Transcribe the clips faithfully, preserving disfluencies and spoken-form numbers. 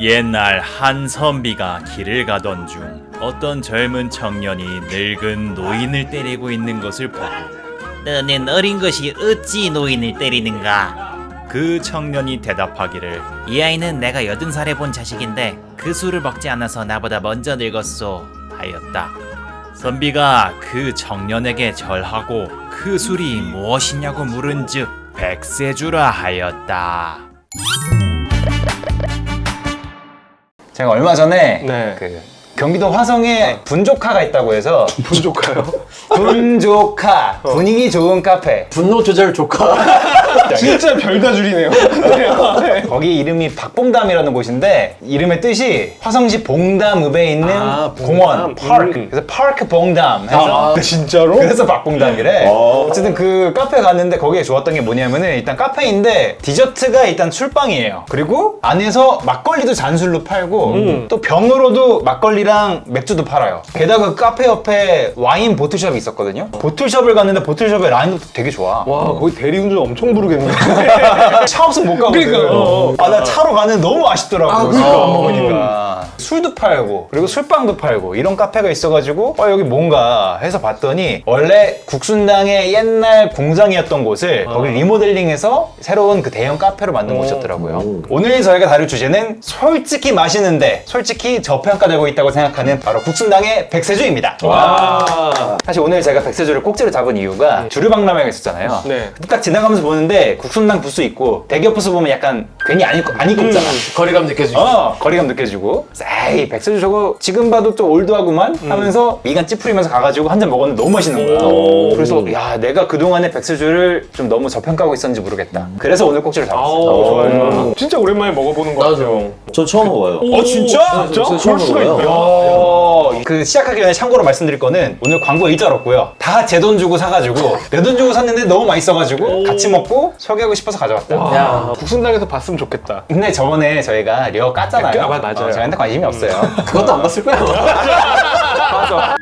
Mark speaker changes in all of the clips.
Speaker 1: 옛날 한 선비가 길을 가던 중 어떤 젊은 청년이 늙은 노인을 때리고 있는 것을 보고
Speaker 2: 너는 어린 것이 어찌 노인을 때리는가?
Speaker 1: 그 청년이 대답하기를
Speaker 2: 이 아이는 내가 여든 살에 본 자식인데 그 술을 먹지 않아서 나보다 먼저 늙었소 하였다.
Speaker 1: 선비가 그 청년에게 절하고 그 술이 무엇이냐고 물은즉 백세주라 하였다.
Speaker 3: 제가 얼마 전에
Speaker 4: 네.
Speaker 3: 그 경기도 화성에 분조카가 있다고 해서
Speaker 4: 분조카요?
Speaker 3: 분조카 분위기 좋은 카페
Speaker 5: 분노 조절 조카.
Speaker 4: 진짜 별다 줄이네요. 네.
Speaker 3: 거기 이름이 박봉담이라는 곳인데 이름의 뜻이 화성시 봉담읍에 있는
Speaker 4: 아, 봉담.
Speaker 3: 공원 파크
Speaker 4: 음.
Speaker 3: 그래서 파크 봉담 해서
Speaker 4: 아, 진짜로?
Speaker 3: 그래서 박봉담이래. 어쨌든 그 카페 갔는데 거기에 좋았던 게 뭐냐면은 일단 카페인데 디저트가 일단 술빵이에요. 그리고 안에서 막걸리도 잔술로 팔고
Speaker 4: 음.
Speaker 3: 또 병으로도 막걸리랑 맥주도 팔아요. 게다가 그 카페 옆에 와인 보틀숍이 있었거든요. 보틀숍을 갔는데 보틀숍의 라인도 되게 좋아.
Speaker 4: 와, 거기 대리운전 엄청 부르겠네.
Speaker 3: 차 없으면 못 가거든.
Speaker 4: 그러니까, 어.
Speaker 3: 아, 나 차로 가는데 너무 아쉽더라고.
Speaker 4: 아,
Speaker 3: 술
Speaker 4: 그러니까.
Speaker 3: 안 먹으니까. 술도 팔고, 그리고 술빵도 팔고, 이런 카페가 있어가지고, 어, 여기 뭔가 해서 봤더니, 원래 국순당의 옛날 공장이었던 곳을 거기 리모델링해서 새로운 그 대형 카페로 만든 곳이었더라고요. 오늘 저희가 다룰 주제는 솔직히 마시는데, 솔직히 저평가되고 있다고 생각하는 바로 국순당의 백세주입니다.
Speaker 4: 와.
Speaker 3: 사실 오늘 제가 백세주를 꼭지로 잡은 이유가 주류박람회가 있었잖아요.
Speaker 4: 네.
Speaker 3: 근데 딱 지나가면서 보는데 국순당 부스 있고 대기업 부스 보면 약간 괜히 안 입고 안 입고 있잖아.
Speaker 5: 거리감 느껴지고.
Speaker 3: 어 거리감 느껴지고 에이 백세주 저거 지금 봐도 또 올드하구만 하면서 미간 찌푸리면서 가가지고 한 잔 먹었는데 너무 맛있는 거야.
Speaker 4: 오.
Speaker 3: 그래서 야 내가 그동안에 백세주를 좀 너무 저평가하고 있었는지 모르겠다. 그래서 오늘 꼭지를
Speaker 4: 아우,
Speaker 3: 잡았어.
Speaker 4: 좋아요, 좋아요. 진짜 오랜만에 먹어보는 것 같아요.
Speaker 6: 전 처음 먹어요.
Speaker 3: 어 진짜?
Speaker 4: 진짜?
Speaker 6: 저
Speaker 4: 그럴
Speaker 6: 처음
Speaker 4: 수가
Speaker 6: 먹어요.
Speaker 4: 있구나.
Speaker 3: 어, 그 시작하기 전에 참고로 말씀드릴 거는 오늘 광고 일절 없고요. 다 제 돈 주고 사가지고 내 돈 주고 샀는데 너무 맛있어가지고 같이 먹고 소개하고 싶어서 가져왔다.
Speaker 4: 와,
Speaker 5: 야.
Speaker 4: 국순당에서 봤으면 좋겠다.
Speaker 3: 근데 저번에 저희가 려 깠잖아요.
Speaker 4: 아, 맞아요.
Speaker 3: 어, 저희한테 관심이 없어요.
Speaker 5: 그것도 안 봤을 거야.
Speaker 3: 맞아.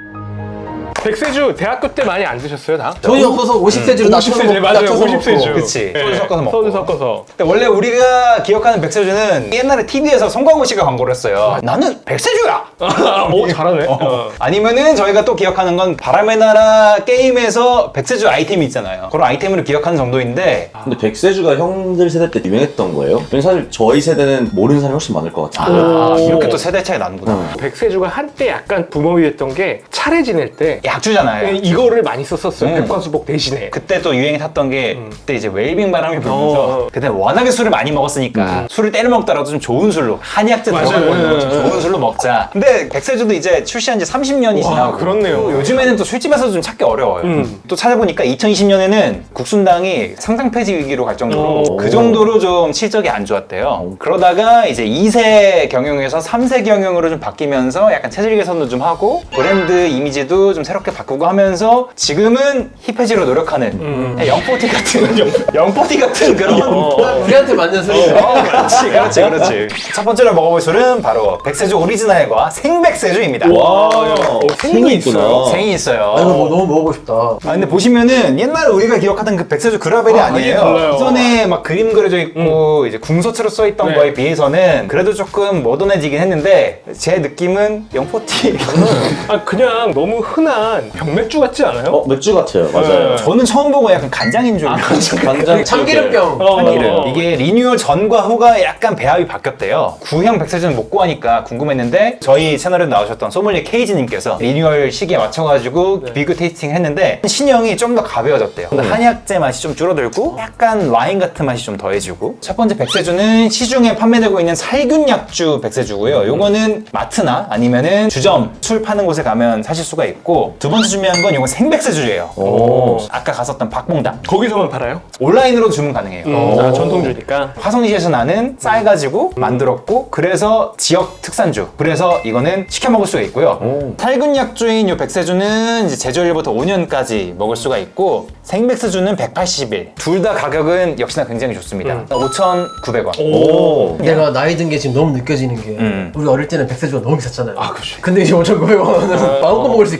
Speaker 4: 백세주 대학교 때 많이 안 드셨어요, 다?
Speaker 5: 돈이 없어서 오십 세주로
Speaker 4: 오십 세주, 맞아요. 오십 세주.
Speaker 3: 그치.
Speaker 4: 네.
Speaker 3: 소주 섞어서 먹고.
Speaker 4: 소주 섞어서.
Speaker 3: 근데 원래 우리가 기억하는 백세주는 옛날에 티비에서 송강호 씨가 광고를 했어요. 나는 백세주야!
Speaker 4: 오, 잘하네. 어.
Speaker 3: 아니면은 저희가 또 기억하는 건 바람의 나라 게임에서 백세주 아이템이 있잖아요. 그런 아이템으로 기억하는 정도인데
Speaker 6: 근데 백세주가 형들 세대 때 유명했던 거예요? 왜냐면 사실 저희 세대는 모르는 사람이 훨씬 많을 것 같아요.
Speaker 3: 아,
Speaker 4: 오.
Speaker 3: 이렇게 또 세대 차이 나는구나.
Speaker 6: 음.
Speaker 4: 백세주가 한때 약간 붐업이 됐던 게 차례 지낼 때
Speaker 3: 약주잖아요.
Speaker 4: 이거를 많이 썼었어요.
Speaker 3: 음.
Speaker 4: 백과수복 대신에.
Speaker 3: 그때 또 유행이 탔던 게
Speaker 4: 음.
Speaker 3: 그때 이제 웨이빙 바람이 불면서
Speaker 4: 어, 어.
Speaker 3: 그때 워낙에 술을 많이 먹었으니까 술을 때려 먹더라도 좀 좋은 술로 한약재
Speaker 4: 맞아요.
Speaker 3: 들어가고 있는 거좀
Speaker 4: 예, 예.
Speaker 3: 좋은 술로 먹자. 근데 백세주도 이제 출시한 지 삼십 년이
Speaker 4: 와,
Speaker 3: 지나고
Speaker 4: 그렇네요.
Speaker 3: 요즘에는 또 술집에서도 좀 찾기 어려워요.
Speaker 4: 음.
Speaker 3: 또 찾아보니까 이천이십 년에는 국순당이 상장 폐지 위기로 갈 정도로
Speaker 4: 오.
Speaker 3: 그 정도로 좀 실적이 안 좋았대요. 그러다가 이제 이 세 경영에서 삼 세 경영으로 좀 바뀌면서 약간 체질 개선도 좀 하고 브랜드 이미지도 좀 새롭게 바꾸고 하면서 지금은 힙해지로 노력하는
Speaker 4: 음.
Speaker 3: 영포티 같은 영포티 같은 그런 어,
Speaker 5: 우리한테 맞는 소리.
Speaker 3: 어, 그렇지 그렇지 그렇지. 첫 번째로 먹어볼 술은 바로 백세주 오리지널과 생백세주입니다.
Speaker 6: 와,
Speaker 4: 어,
Speaker 6: 생이 있구나.
Speaker 3: 생이 있어요.
Speaker 5: 아, 이거 뭐 너무 먹어보고 싶다.
Speaker 3: 아 근데 보시면은 옛날 우리가 기억하던 그 백세주 그라벨이
Speaker 4: 아,
Speaker 3: 아, 니에요
Speaker 4: 달라요.
Speaker 3: 이전에 막 그림 그려져 있고 이제 궁서체로 써 있던
Speaker 4: 네.
Speaker 3: 거에 비해서는 그래도 조금 모던해지긴 했는데 제 느낌은 영포티.
Speaker 4: 아, 그냥 너무 흔한 병맥주 같지 않아요?
Speaker 6: 어, 맥주 같아요. 맞아요.
Speaker 4: 네.
Speaker 3: 저는 처음 보고 약간 간장인 줄 알았어요.
Speaker 6: 간장
Speaker 5: 참기름병.
Speaker 4: 어,
Speaker 3: 참기름.
Speaker 4: 어.
Speaker 3: 이게 리뉴얼 전과 후가 약간 배합이 바뀌었대요. 구형 백세주는 못 구하니까 궁금했는데 저희 채널에 나오셨던 소믈리에 케이지님께서 리뉴얼 시기에 맞춰가지고 비교 테이스팅 했는데 신형이 좀 더 가벼워졌대요. 근데 한약재 맛이 좀 줄어들고 약간 와인 같은 맛이 좀 더해지고 첫 번째 백세주는 시중에 판매되고 있는 살균 약주 백세주고요. 요거는 마트나 아니면은 주점 술 파는 곳에 가면 사실 수가 있고 두 번째 준비한 건 요건 생백세주예요.
Speaker 6: 오.
Speaker 3: 아까 갔었던 박봉담
Speaker 4: 거기서만 팔아요?
Speaker 3: 온라인으로 주문 가능해요.
Speaker 4: 음, 아, 전통주니까.
Speaker 3: 화성시에서 나는 쌀 가지고 만들었고 그래서 지역 특산주 그래서 이거는 시켜 먹을 수가 있고요.
Speaker 6: 오.
Speaker 3: 살균 약주인 요 백세주는 이제 제조일부터 오 년까지 먹을 수가 있고 생백세주는 백팔십 일 둘 다 가격은 역시나 굉장히 좋습니다. 오천구백 원.
Speaker 6: 오.
Speaker 5: 내가 나이 든 게 지금 너무 느껴지는 게
Speaker 3: 음.
Speaker 5: 우리 어릴 때는 백세주가 너무 비쌌잖아요.
Speaker 4: 아, 그치.
Speaker 5: 근데 이제 오천구백 원은 마음껏 먹을 수 있겠네.
Speaker 4: 어, 이제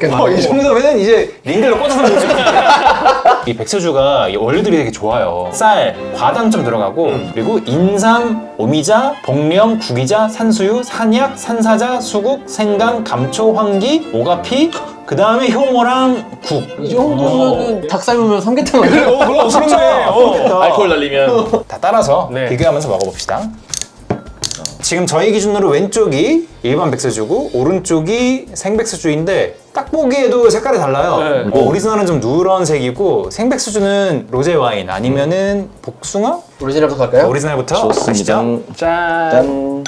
Speaker 3: 정도면은 이제 린들로 꽂아서 먹을 수 있어요. 이 백세주가 이 원료들이 되게 좋아요. 쌀, 과당 좀 들어가고 그리고 인삼, 오미자, 복령, 구기자, 산수유, 산약, 산사자, 수국, 생강, 감초, 황기, 오가피 그 다음에 효모랑 국.
Speaker 5: 이 정도면은 닭 삶으면 삼계탕 아니야?
Speaker 4: 어, 그럼 그렇네. 어.
Speaker 6: 알코올 날리면
Speaker 3: 다 따라서
Speaker 4: 네.
Speaker 3: 비교하면서 먹어봅시다. 지금 저희 기준으로 왼쪽이 일반 백세주고 오른쪽이 생백세주인데 딱 보기에도 색깔이 달라요.
Speaker 4: 네.
Speaker 3: 어, 오리지널은 좀 누런색이고 생백세주는 로제 와인 아니면은 복숭아?
Speaker 5: 오리지널부터 갈까요?
Speaker 3: 오리지널부터
Speaker 6: 좋습니다.
Speaker 3: 가시죠.
Speaker 4: 짠.
Speaker 6: 짠.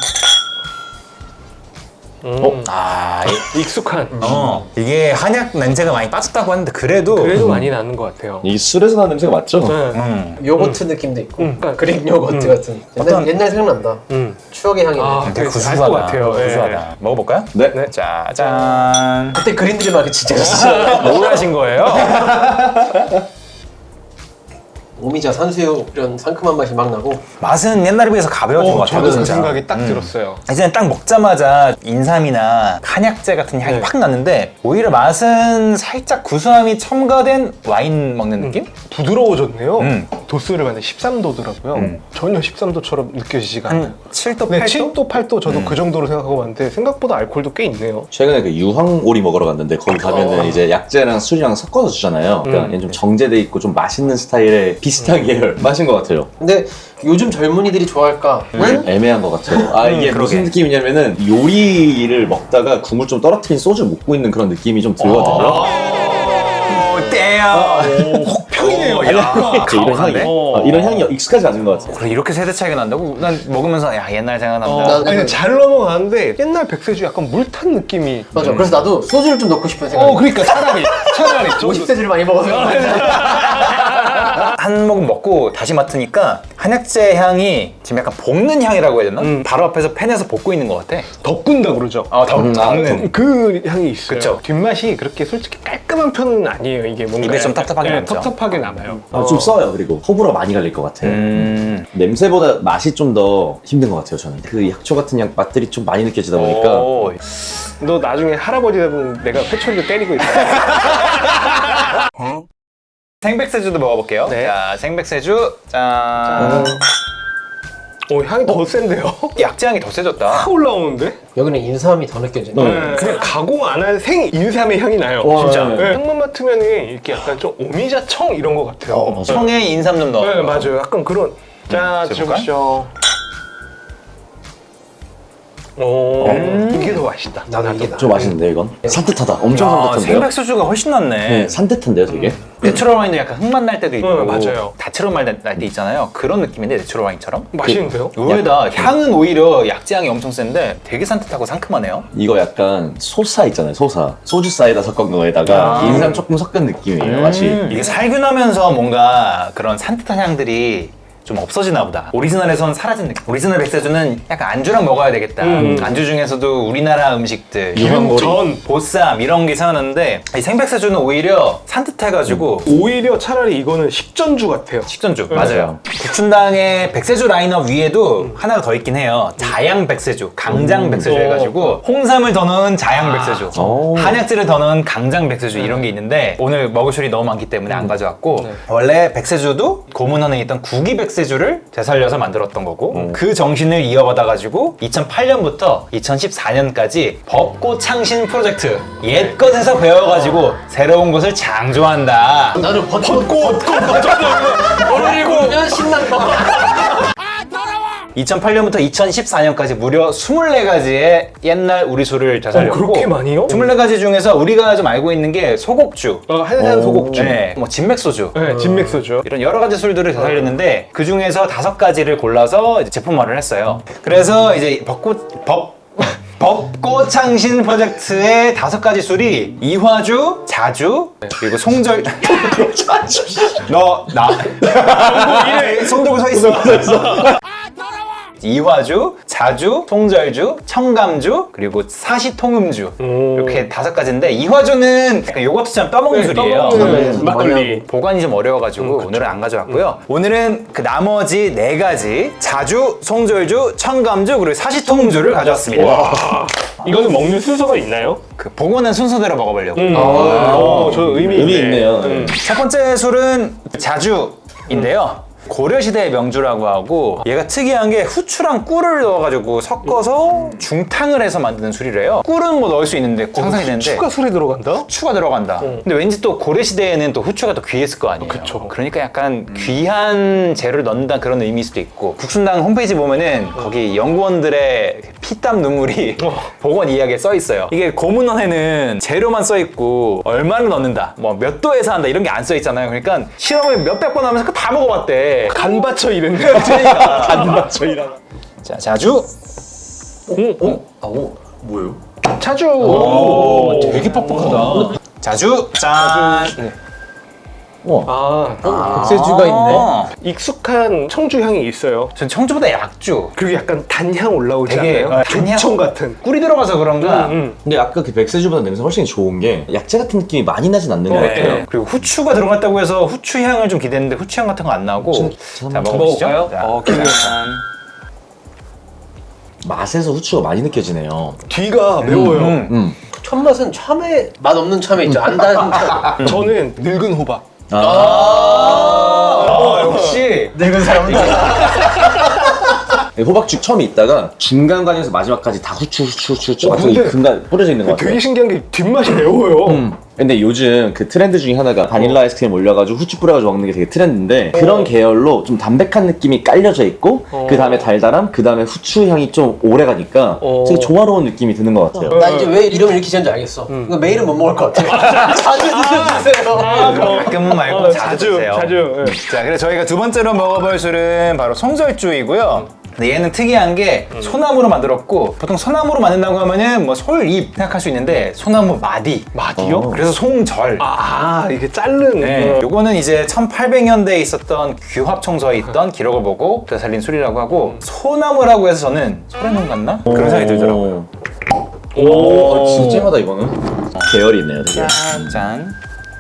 Speaker 4: 음.
Speaker 3: 아, 이-
Speaker 4: 익숙한.
Speaker 3: 어, 이게 한약 냄새가 많이 빠졌다고 하는데 그래도
Speaker 4: 그래도 많이 나는 것 같아요.
Speaker 6: 이 술에서 나는 냄새가 맞죠?
Speaker 4: 네.
Speaker 3: 음,
Speaker 5: 요거트 느낌도 있고
Speaker 4: 음.
Speaker 5: 그릭 요거트 같은 옛날,
Speaker 3: 어떤-
Speaker 5: 옛날 생각난다.
Speaker 4: 음.
Speaker 5: 추억의 향이네.
Speaker 4: 아.
Speaker 3: 되게
Speaker 4: 그래서
Speaker 3: 구수하다.
Speaker 4: 알것 같아요. 예.
Speaker 3: 구수하다. 먹어볼까요?
Speaker 6: 네.
Speaker 4: 네.
Speaker 3: 짜잔.
Speaker 5: 그때 그린들이 막 진짜 진짜
Speaker 3: 뭘 하신 거예요?
Speaker 5: 오미자, 산수유 이런 상큼한 맛이 막 나고
Speaker 3: 맛은 옛날에 비해서 가벼워진 것
Speaker 4: 어,
Speaker 3: 같아요.
Speaker 4: 저도 그
Speaker 3: 진짜.
Speaker 4: 생각이 딱 들었어요.
Speaker 3: 이제는 딱 먹자마자 인삼이나 한약재 같은 향이
Speaker 4: 네.
Speaker 3: 확 나는데 오히려 맛은 살짝 구수함이 첨가된 와인 먹는 느낌?
Speaker 4: 부드러워졌네요.
Speaker 3: 음.
Speaker 4: 도수를 봤는데 십삼 도더라고요.
Speaker 3: 음.
Speaker 4: 전혀 십삼 도처럼 느껴지지가 않아요.
Speaker 3: 한 칠 도,
Speaker 4: 네,
Speaker 3: 팔 도?
Speaker 4: 칠 도, 팔 도 저도
Speaker 3: 음.
Speaker 4: 그 정도로 생각하고 봤는데 생각보다 알코올도 꽤 있네요.
Speaker 6: 최근에 그 유황오리 먹으러 갔는데 거기 가면은 이제 약재랑 술이랑 섞어서 주잖아요. 그러니까
Speaker 4: 음.
Speaker 6: 얘는 좀 정제돼 있고 좀 맛있는 스타일의 비슷한 계열 맛인 것 같아요.
Speaker 5: 근데 요즘 젊은이들이 좋아할까? 는
Speaker 6: 애매한 것 같아요. 아 이게
Speaker 3: 음,
Speaker 6: 무슨
Speaker 3: 그러게.
Speaker 6: 느낌이냐면은 요리를 먹다가 국물 좀 떨어뜨린 소주 먹고 있는 그런 느낌이 좀 들거든요.
Speaker 3: 오, 떼요.
Speaker 4: 혹평이네요.
Speaker 3: 야,
Speaker 6: 이런 향이
Speaker 3: 가혹한데?
Speaker 6: 어, 이런 향이 익숙하지 않은 것 같아요.
Speaker 3: 그래, 이렇게 세대 차이가 난다고? 난 먹으면서 야 옛날 생각난다.
Speaker 4: 어, 아니, 잘 넘어가는데 옛날 백세주 약간 물 탄 느낌이.
Speaker 5: 맞아. 그래서 나도 소주를 좀 넣고 싶은 생각이.
Speaker 4: 어, 그러니까 차라리 차라리
Speaker 5: 오십 세주를 많이 먹어서.
Speaker 3: 한 모금 먹고 다시 맡으니까 한약재 향이 지금 약간 볶는 향이라고 해야 되나?
Speaker 4: 음.
Speaker 3: 바로 앞에서 팬에서 볶고 있는 것 같아.
Speaker 4: 덮군다 그러죠.
Speaker 3: 어, 더
Speaker 6: 음, 아,
Speaker 3: 덮는.
Speaker 4: 그 향이 있어요.
Speaker 3: 그쵸.
Speaker 4: 뒷맛이 그렇게 솔직히 깔끔한 편은 아니에요. 이게 뭔가
Speaker 3: 입에 좀
Speaker 4: 약간-
Speaker 3: 텁텁하게
Speaker 4: 네,
Speaker 3: 남죠.
Speaker 4: 텁텁하게 남아요.
Speaker 6: 아, 좀 써요. 그리고 호불호 많이 갈릴 것 같아요.
Speaker 3: 음.
Speaker 6: 냄새보다 맛이 좀 더 힘든 것 같아요. 저는 그 약초 같은 양 맛들이 좀 많이 느껴지다 보니까
Speaker 3: 오.
Speaker 4: 너 나중에 할아버지 되면 내가 회초리로 때리고 있어.
Speaker 3: 생백세주도 먹어볼게요.
Speaker 4: 네.
Speaker 3: 자, 생백세주. 짠.
Speaker 4: 오, 향이 더 센데요?
Speaker 3: 약재 향이 더 세졌다.
Speaker 4: 확 올라오는데?
Speaker 5: 여기는 인삼이 더 느껴지네.
Speaker 6: 네.
Speaker 4: 그냥 가공 안 한 생 인삼의 향이 나요.
Speaker 6: 와,
Speaker 4: 진짜.
Speaker 6: 네.
Speaker 4: 네, 향만 맡으면 이렇게 약간 좀 오미자 청 이런 것 같아요.
Speaker 6: 어, 맞아요.
Speaker 3: 청에 인삼 좀 넣어.
Speaker 4: 네, 맞아요. 약간 그런. 자,
Speaker 3: 드셔볼까요?
Speaker 4: 드셔보시죠. 오,
Speaker 3: 음.
Speaker 4: 이게 더 맛있다.
Speaker 5: 나도 이게 나.
Speaker 6: 좀 맛있는데 이건 산뜻하다. 엄청
Speaker 3: 아,
Speaker 6: 산뜻한데요.
Speaker 3: 생백세주가 훨씬 낫네.
Speaker 6: 네, 산뜻한데요, 되게.
Speaker 3: 내추럴 와인도 약간 흙맛 날 때도 있고
Speaker 4: 네, 맞아요.
Speaker 3: 다채로운 맛 날 때 있잖아요. 그런 느낌인데 내추럴 와인처럼.
Speaker 4: 맛있는데요?
Speaker 3: 의외다. 향은 오히려 약재 향이 엄청 센데 되게 산뜻하고 상큼하네요.
Speaker 6: 이거 약간 소사 있잖아요, 소사. 소주 사이다 섞은 거에다가
Speaker 3: 아.
Speaker 6: 인삼 조금 섞은 느낌이에요, 맛이.
Speaker 3: 음, 이게 살균하면서 뭔가 그런 산뜻한 향들이 좀 없어지나 보다. 오리지널에선 사라진 느낌. 오리지널 백세주는 약간 안주랑 먹어야 되겠다.
Speaker 4: 음.
Speaker 3: 안주 중에서도 우리나라 음식들,
Speaker 6: 유황오리.
Speaker 3: 전, 보쌈 이런 게 생각나는데 이 생백세주는 오히려 산뜻해가지고
Speaker 4: 오히려 차라리 이거는 식전주 같아요.
Speaker 3: 식전주
Speaker 4: 네.
Speaker 3: 맞아요. 구춘당의 백세주 라인업 위에도 하나가 더 있긴 해요. 자양 백세주, 강장 백세주
Speaker 4: 음.
Speaker 3: 해가지고 홍삼을 더 넣은 자양 백세주,
Speaker 6: 오.
Speaker 3: 한약재를 더 넣은 강장 백세주 이런 게 있는데 오늘 먹을 술이 너무 많기 때문에 안 가져왔고
Speaker 4: 네.
Speaker 3: 원래 백세주도 고문원에 있던 구기 백세주를 되살려서 만들었던 거고
Speaker 4: 음.
Speaker 3: 그 정신을 이어받아가지고 이천팔 년부터 이천십사 년까지 벚꽃 창신 프로젝트 옛것에서 배워가지고 새로운 것을 창조한다.
Speaker 5: 나는 벚꽃, 벚꽃, 벚꽃. 보면 신난 거.
Speaker 3: 이천팔 년부터 이천십사 년까지 무려 이십사 가지의 옛날 우리 술을 되살렸고
Speaker 4: 어, 그렇게 많이요?
Speaker 3: 이십사 가지 중에서 우리가 좀 알고 있는 게 소곡주,
Speaker 4: 어, 한산 소곡주.
Speaker 3: 네, 뭐 진맥소주
Speaker 4: 네, 진맥소주.
Speaker 3: 이런 여러 가지 술들을 되살렸는데 그 중에서 다섯 가지를 골라서 이제 제품화를 했어요. 그래서 이제 벚꽃 법 벚꽃 창신 프로젝트의 다섯 가지 술이 이화주, 자주, 그리고 송절. 너 나. 이래 손 들고 서 있어. 이화주, 자주, 송절주, 청감주, 그리고 사시통음주
Speaker 4: 음.
Speaker 3: 이렇게 다섯 가지인데 이화주는 약간 요거트처럼 떠먹는 술이에요.
Speaker 4: 떠먹는 막걸리.
Speaker 3: 보관이 좀 어려워가지고 오늘은 안 가져왔고요. 오늘은 그 나머지 네 가지 자주, 송절주, 청감주 그리고 사시통음주를 가져왔습니다.
Speaker 4: 이거는 먹는 순서가 있나요?
Speaker 3: 그 보고는 순서대로 먹어보려고.
Speaker 4: 음. 어, 저 의미,
Speaker 6: 의미
Speaker 4: 있네.
Speaker 6: 있네요.
Speaker 4: 음.
Speaker 3: 첫 번째 술은 자주인데요. 고려시대의 명주라고 하고 얘가 특이한 게 후추랑 꿀을 넣어가지고 섞어서 중탕을 해서 만드는 술이래요. 꿀은 뭐 넣을 수 있는데 상상이 되는데
Speaker 4: 추가 술이 들어간다?
Speaker 3: 후추가 들어간다. 근데 왠지 또 고려시대에는 또 후추가 더 귀했을 거 아니에요.
Speaker 4: 그쵸.
Speaker 3: 그러니까 약간 귀한 재료를 넣는다는 그런 의미일 수도 있고 국순당 홈페이지 보면은 거기 연구원들의 피땀 눈물이 복원 이야기에 써 있어요. 이게 고문원에는 재료만 써 있고 얼마를 넣는다, 뭐 몇 도에서 한다 이런 게 안 써 있잖아요. 그러니까 실험을 몇백 번 하면서 다 먹어봤대.
Speaker 4: 간 받쳐 이랬네.
Speaker 3: 그러니까.
Speaker 4: 간 받쳐 이라.
Speaker 3: 자, 자주.
Speaker 6: 아, 오, 뭐예요?
Speaker 4: 자주.
Speaker 3: 오, 되게 뻑뻑하다. 자주. 짠.
Speaker 4: 아,
Speaker 5: 백세주가 있네.
Speaker 4: 익숙한 청주 향이 있어요.
Speaker 3: 전 청주보다 약주.
Speaker 4: 그리고 약간 단향 올라오지
Speaker 3: 되게,
Speaker 4: 않아요?
Speaker 3: 어, 단향.
Speaker 4: 조청 같은.
Speaker 3: 꿀이 들어가서 그런가.
Speaker 4: 음, 음.
Speaker 6: 근데 아까 그 백세주보다 냄새 훨씬 좋은 게 약재 같은 느낌이 많이 나진 않는 것
Speaker 3: 네.
Speaker 6: 같아요.
Speaker 3: 그리고 후추가 들어갔다고 해서 후추 향을 좀 기대했는데 후추 향 같은 거 안 나오고.
Speaker 6: 저-
Speaker 3: 자,
Speaker 6: 한번
Speaker 3: 먹어보시죠.
Speaker 5: 먹어볼까요?
Speaker 3: 자,
Speaker 5: 어, 기대된다.
Speaker 3: 짠.
Speaker 6: 맛에서 후추가 많이 느껴지네요.
Speaker 4: 뒤가 매워요.
Speaker 3: 음.
Speaker 6: 음.
Speaker 5: 첫 맛은 참외 맛 없는 참외 있죠. 안 단 참.
Speaker 4: 저는 늙은 호박.
Speaker 6: 아,
Speaker 3: 아, 역시.
Speaker 5: 늙은 사람은
Speaker 6: 호박죽 처음에 있다가 중간간에서 마지막까지 다 후추 후추 후추 후추
Speaker 4: 어,
Speaker 6: 막 저기
Speaker 4: 근데
Speaker 6: 근간 뿌려져 있는 것 같아요.
Speaker 4: 되게 신기한 게 뒷맛이 매워요.
Speaker 6: 음. 근데 요즘 그 트렌드 중에 하나가 바닐라 아이스크림 올려가지고 후추 뿌려가지고 먹는 게 되게 트렌드인데 그런 계열로 좀 담백한 느낌이 깔려져 있고
Speaker 4: 어.
Speaker 6: 그 다음에 달달함, 그 다음에 후추 향이 좀 오래 가니까
Speaker 4: 어.
Speaker 6: 되게 조화로운 느낌이 드는 것 같아요.
Speaker 5: 나 이제 왜 이름을 이렇게 지었는지 알겠어. 이거 매일은 못 먹을 것 같아. 자주 드셔주세요.
Speaker 3: 가끔은 말고
Speaker 4: 어,
Speaker 3: 자주
Speaker 4: 자주,
Speaker 3: 드세요.
Speaker 4: 자주. 예.
Speaker 3: 자, 그래서 저희가 두 번째로 먹어볼 술은 바로 송절주이고요. 근데 얘는 특이한 게 소나무로 만들었고 보통 소나무로 만든다고 하면은 뭐 솔잎 생각할 수 있는데 소나무 마디.
Speaker 4: 마디요?
Speaker 6: 어.
Speaker 3: 그래서 송절.
Speaker 4: 아, 이게 자른.
Speaker 3: 네.
Speaker 4: 어.
Speaker 3: 요거는 이제 천팔백 년대에 있었던 규합청서에 있던 기록을 보고 그때 살린 술이라고 하고 소나무라고 해서 저는 소래농 같나? 그런 생각이 들더라고요.
Speaker 6: 오, 오, 진짜 찜하다 이거는. 계열이 있네요, 되게.
Speaker 3: 짠. 짠.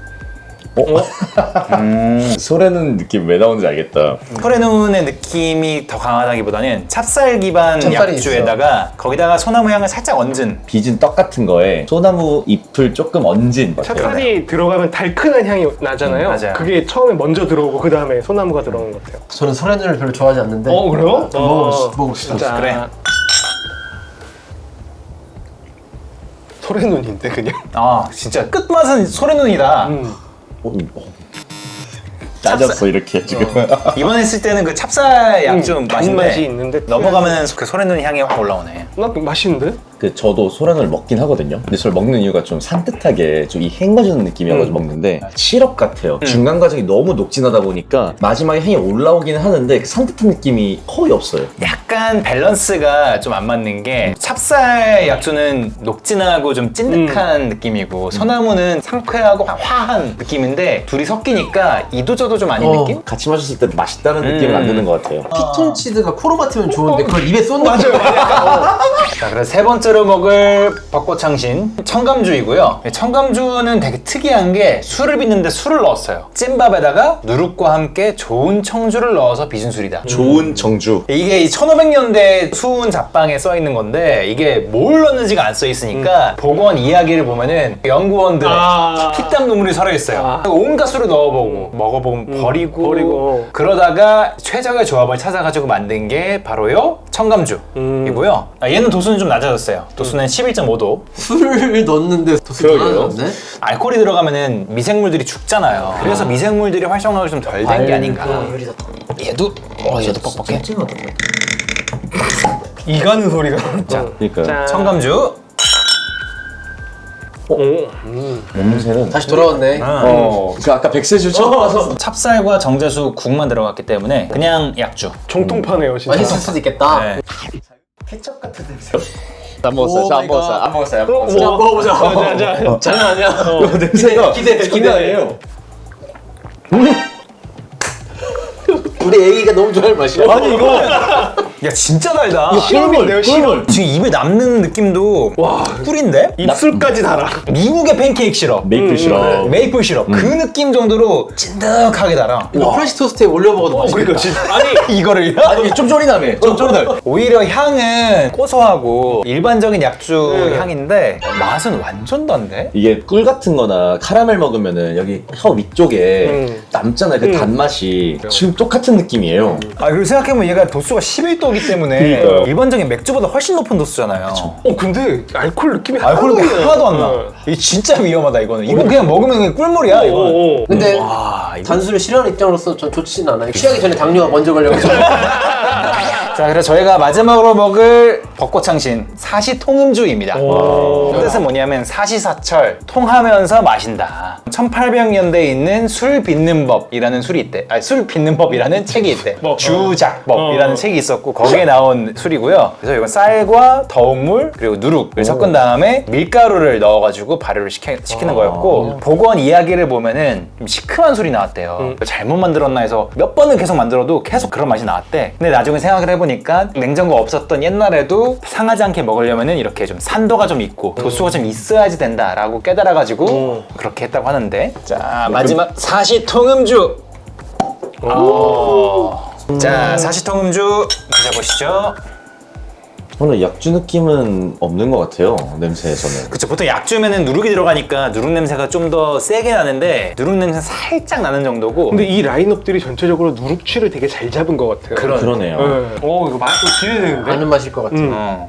Speaker 6: 소래는 느낌 왜 나오는지 알겠다.
Speaker 3: 소래눈의 느낌이 더 강하다기보다는 찹쌀 기반
Speaker 5: 찹쌀이
Speaker 3: 약주에다가 거기다가 소나무 향을 살짝 얹은
Speaker 6: 빚은 떡 같은 거에 소나무 잎을 조금 얹은.
Speaker 4: 찹쌀이 들어가면 달큰한 향이 나잖아요.
Speaker 3: 음, 맞아요.
Speaker 4: 그게 처음에 먼저 들어오고 그 다음에 소나무가 들어오는 것 같아요.
Speaker 5: 저는 소래눈을 별로 좋아하지 않는데.
Speaker 4: 어, 그래요?
Speaker 5: 먹어봅시다. 먹어봅시다.
Speaker 4: 진짜.
Speaker 3: 그래.
Speaker 4: 소래눈인데 그냥.
Speaker 3: 아 진짜 끝맛은 소래눈이다.
Speaker 4: 음.
Speaker 6: 어, 어. 짜졌어 이렇게 지금.
Speaker 3: 이번에 했을 때는 그 찹쌀 약주
Speaker 4: 음,
Speaker 3: 맛인데
Speaker 4: 단맛이 있는데
Speaker 3: 넘어가면 그 소래눈 향이 확 올라오네.
Speaker 4: 나 맛있는데?
Speaker 6: 그 저도 소란을 먹긴 하거든요. 근데 저를 먹는 이유가 좀 산뜻하게 좀 이 헹궈주는 느낌이어가지고
Speaker 4: 음.
Speaker 6: 먹는데 시럽 같아요. 중간 과정이 너무 녹진하다 보니까 마지막에 향이 올라오기는 하는데 그 산뜻한 느낌이 거의 없어요.
Speaker 3: 약간 밸런스가 좀 안 맞는 게 찹쌀 약주는 녹진하고 좀 찐득한 느낌이고 소나무는 상쾌하고 화한 느낌인데 둘이 섞이니까 이도저도 좀 아닌
Speaker 5: 어.
Speaker 3: 느낌?
Speaker 6: 같이 마셨을 때 맛있다는 느낌을
Speaker 3: 음.
Speaker 6: 안 드는 것 같아요.
Speaker 5: 피톤치드가 코로 맡으면 좋은데 그걸 입에 쏜 느낌.
Speaker 3: 자, 그래서 세 번째로 먹을 벚꽃창신 청감주이고요. 청감주는 되게 특이한 게 술을 빚는데 술을 넣었어요. 찐밥에다가 누룩과 함께 좋은 청주를 넣어서 빚은 술이다.
Speaker 6: 좋은 정주.
Speaker 3: 이게 이 천오백 년대 수은 잡방에 써 있는 건데 이게 뭘 넣는지가 안 써 있으니까 복원 이야기를 보면은 연구원들의
Speaker 4: 아.
Speaker 3: 피땀 눈물이 서려 있어요.
Speaker 4: 아.
Speaker 3: 온갖 술을 넣어보고 먹어보면 버리고,
Speaker 4: 버리고.
Speaker 3: 그러다가 최적의 조합을 찾아가지고 만든 게 바로요 청감주이고요. 아, 얘는 도수는 좀 낮아졌어요. 도수는 십일 점 오 도.
Speaker 5: 술을 넣었는데 도수
Speaker 6: 그러게요.
Speaker 5: 많아졌네.
Speaker 3: 알코올이 들어가면은 미생물들이 죽잖아요. 그래서 미생물들이 활성화가 좀 덜 된 게 아닌가. 얘도 어 얘도 뻑뻑해.
Speaker 5: 찡하다.
Speaker 4: 이 가는 소리가.
Speaker 3: 자,
Speaker 6: 그러니까
Speaker 4: 짠.
Speaker 3: 청감주.
Speaker 4: 오. 음.
Speaker 6: 냄새는.
Speaker 5: 다시 돌아왔네.
Speaker 6: 어, 그 아까 백세주 처음 와서
Speaker 3: 찹쌀과 정제수 국만 들어갔기 때문에 그냥 약주.
Speaker 4: 정통파네요, 진짜.
Speaker 5: 맛있을 수도 있겠다.
Speaker 3: 네.
Speaker 6: 안 먹었어요. 저안
Speaker 5: 오 마이
Speaker 6: 먹었어요.
Speaker 5: 갓.
Speaker 6: 안 먹었어요. 안
Speaker 4: 어,
Speaker 6: 먹었어요.
Speaker 5: 자, 먹어보자.
Speaker 4: 자, 자, 자.
Speaker 5: 장난 아니야.
Speaker 6: 어, 냄새가
Speaker 5: 기대, 기대,
Speaker 6: 장난 아니에요.
Speaker 5: 우리 애기가 너무 좋아할 맛이야.
Speaker 6: 아니 이거
Speaker 3: 야 진짜 달다.
Speaker 4: 이거 시럽인데요, 시럽.
Speaker 3: 지금 입에 남는 느낌도
Speaker 4: 와.
Speaker 3: 꿀인데?
Speaker 4: 입술까지 달아.
Speaker 3: 미국의 팬케이크 시럽.
Speaker 6: 메이플 시럽.
Speaker 3: 메이플 시럽. 그 느낌 정도로 찐득하게 달아.
Speaker 5: 이거 프렌치 토스트에 올려 먹어도
Speaker 4: 어,
Speaker 5: 맛있겠다.
Speaker 4: 그러니까 진짜. 아니,
Speaker 3: 이거를요?
Speaker 6: 아니 좀 쫄이나네. 좀 쫄이나.
Speaker 3: 오히려 향은 고소하고 일반적인 약주
Speaker 4: 네.
Speaker 3: 향인데 맛은 완전 단데?
Speaker 6: 이게 꿀 같은 거나 카라멜 먹으면은 여기 혀 위쪽에
Speaker 4: 음.
Speaker 6: 남잖아요. 그
Speaker 4: 음.
Speaker 6: 단맛이 지금 똑같은 느낌이에요.
Speaker 3: 아 그리고 생각해보면 얘가 도수가 십일 도이기 때문에
Speaker 4: 그러니까요.
Speaker 3: 일반적인 맥주보다 훨씬 높은 도수잖아요.
Speaker 4: 어, 근데 알코올 느낌이
Speaker 3: 알코올
Speaker 4: 하나도 안
Speaker 3: 하나도 안 나.
Speaker 4: 어.
Speaker 3: 이게 진짜 위험하다 이거는. 이거 그냥 먹으면 그냥 꿀물이야 이거.
Speaker 4: 오, 오.
Speaker 5: 근데
Speaker 3: 와 이거.
Speaker 5: 단술을 싫어하는 입장으로서 전 좋진 않아요. 취하기 전에 당뇨가 먼저 걸려가지고.
Speaker 3: 자 그래서 저희가 마지막으로 먹을 벚꽃창신 사시통음주입니다.
Speaker 4: 오.
Speaker 3: 뜻은 뭐냐면 사시사철 통하면서 마신다. 천팔백 년대에 있는 술 빚는 법이라는 술이 있대. 아니 술 빚는 법이라는 책이 있대.
Speaker 4: 뭐,
Speaker 3: 주작법이라는
Speaker 4: 어.
Speaker 3: 책이 있었고 거기에 나온 술이고요. 그래서 이건 쌀과 더운 물 그리고 누룩을 섞은 다음에 밀가루를 넣어가지고 발효를 시켜, 시키는 거였고 복원 이야기를 보면은 좀 시큼한 술이 나왔대요.
Speaker 4: 음.
Speaker 3: 잘못 만들었나 해서 몇 번을 계속 만들어도 계속 그런 맛이 나왔대. 근데 나중에 생각을 해보니까 냉장고 없었던 옛날에도 상하지 않게 먹으려면은 이렇게 좀 산도가 좀 있고 도수가 좀 있어야지 된다라고 깨달아가지고
Speaker 4: 음.
Speaker 3: 그렇게 했다고 하는데 자 마지막 사시통음주. 어. 자 사시통음주 드셔보시죠.
Speaker 6: 저는 약주 느낌은 없는 것 같아요. 냄새에서는.
Speaker 3: 그쵸 보통 약주면은 누룩이 들어가니까 누룩 냄새가 좀 더 세게 나는데 누룩 냄새 살짝 나는 정도고.
Speaker 4: 근데 이 라인업들이 전체적으로 누룩취를 되게 잘 잡은 것 같아요.
Speaker 3: 그런-
Speaker 6: 그러네요.
Speaker 4: 네. 오, 이거 맛도 기대되는데?
Speaker 5: 아는 맛일 것 같아.
Speaker 4: 음.
Speaker 3: 어.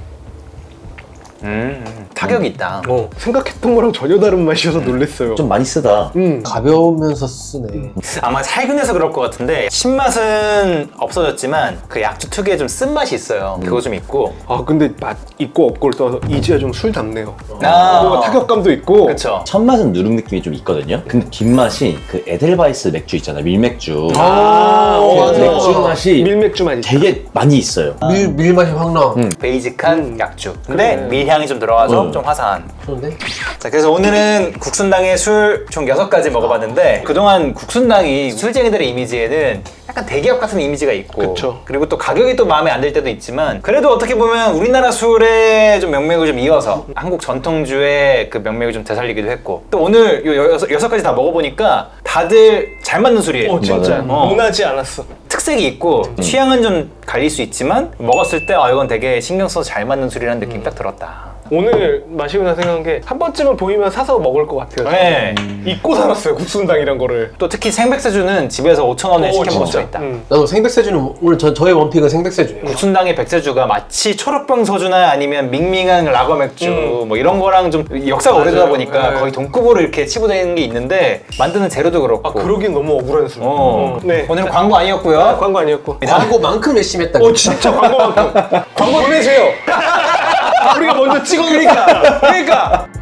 Speaker 3: 음, 타격이 있다.
Speaker 4: 어, 생각했던 거랑 전혀 다른 맛이어서 놀랬어요.
Speaker 6: 좀 많이 쓰다.
Speaker 4: 음.
Speaker 5: 가벼우면서 쓰네.
Speaker 3: 아마 살균해서 그럴 것 같은데 신맛은 없어졌지만 그 약주 특유의 좀 쓴맛이 있어요. 그거 좀 있고.
Speaker 4: 아, 근데 맛 있고 없고를 떠서 이지야 좀 술답네요.
Speaker 3: 아.
Speaker 4: 뭔가 타격감도 있고.
Speaker 3: 그쵸.
Speaker 6: 첫 맛은 누룩 느낌이 좀 있거든요. 근데 뒷맛이 그 에델바이스 맥주 있잖아요. 밀맥주.
Speaker 4: 아,
Speaker 5: 어,
Speaker 6: 그
Speaker 5: 맞아.
Speaker 6: 맥주 맛이
Speaker 4: 밀맥주 맛이.
Speaker 6: 되게 많이 있어요.
Speaker 5: 밀, 밀 맛이 확 나.
Speaker 6: 음.
Speaker 3: 베이직한 약주. 근데
Speaker 4: 그래.
Speaker 3: 밀향이 좀 들어가서
Speaker 6: 음.
Speaker 3: 좀 화사한.
Speaker 5: 그런데?
Speaker 3: 자, 그래서 오늘은 국순당의 술 총 여섯 가지 먹어봤는데 그동안 국순당이 술쟁이들의 이미지에는 약간 대기업 같은 이미지가 있고
Speaker 4: 그쵸.
Speaker 3: 그리고 또 가격이 또 마음에 안 들 때도 있지만 그래도 어떻게 보면 우리나라 술의 좀 명맥을 좀 이어서 한국 전통주의 그 명맥을 좀 되살리기도 했고 또 오늘 요 여섯, 여섯 가지 다 먹어보니까 다들 잘 맞는 술이에요.
Speaker 4: 어, 진짜.
Speaker 6: 맞아요.
Speaker 3: 어.
Speaker 4: 모나지 않았어.
Speaker 3: 특색이 있고 취향은 좀 갈릴 수 있지만 먹었을 때 아, 이건 되게 신경 써서 잘 맞는 술이라는 느낌이 딱 들었다.
Speaker 4: 오늘 마시고 나서 생각한 게 한 번쯤은 보이면 사서 먹을 것 같아요.
Speaker 3: 네.
Speaker 4: 잊고 살았어요, 국순당이란 거를.
Speaker 3: 또 특히 생백세주는 집에서 오천 원에 시켜 먹을 수 있다.
Speaker 4: 음.
Speaker 5: 나도 생백세주는 오늘 저, 저의 원픽은 생백세주예요.
Speaker 3: 국순당의 백세주가 마치 초록병 소주나 아니면 밍밍한 라거 맥주
Speaker 4: 음.
Speaker 3: 뭐 이런 거랑 좀 역사가 오래되다
Speaker 4: 맞아요.
Speaker 3: 보니까
Speaker 4: 네.
Speaker 3: 거의 동급으로 이렇게 치부되는 게 있는데 만드는 재료도 그렇고
Speaker 4: 아, 그러긴 너무 억울한 술.
Speaker 3: 어.
Speaker 4: 네.
Speaker 3: 오늘은 광고 아니었고요.
Speaker 4: 아, 광고 아니었고.
Speaker 5: 광고만큼 열심히 했다.
Speaker 4: 어, 진짜 광고만큼. 광고 보내세요. 우리가 먼저 찍어. 그러니까.
Speaker 3: 그러니까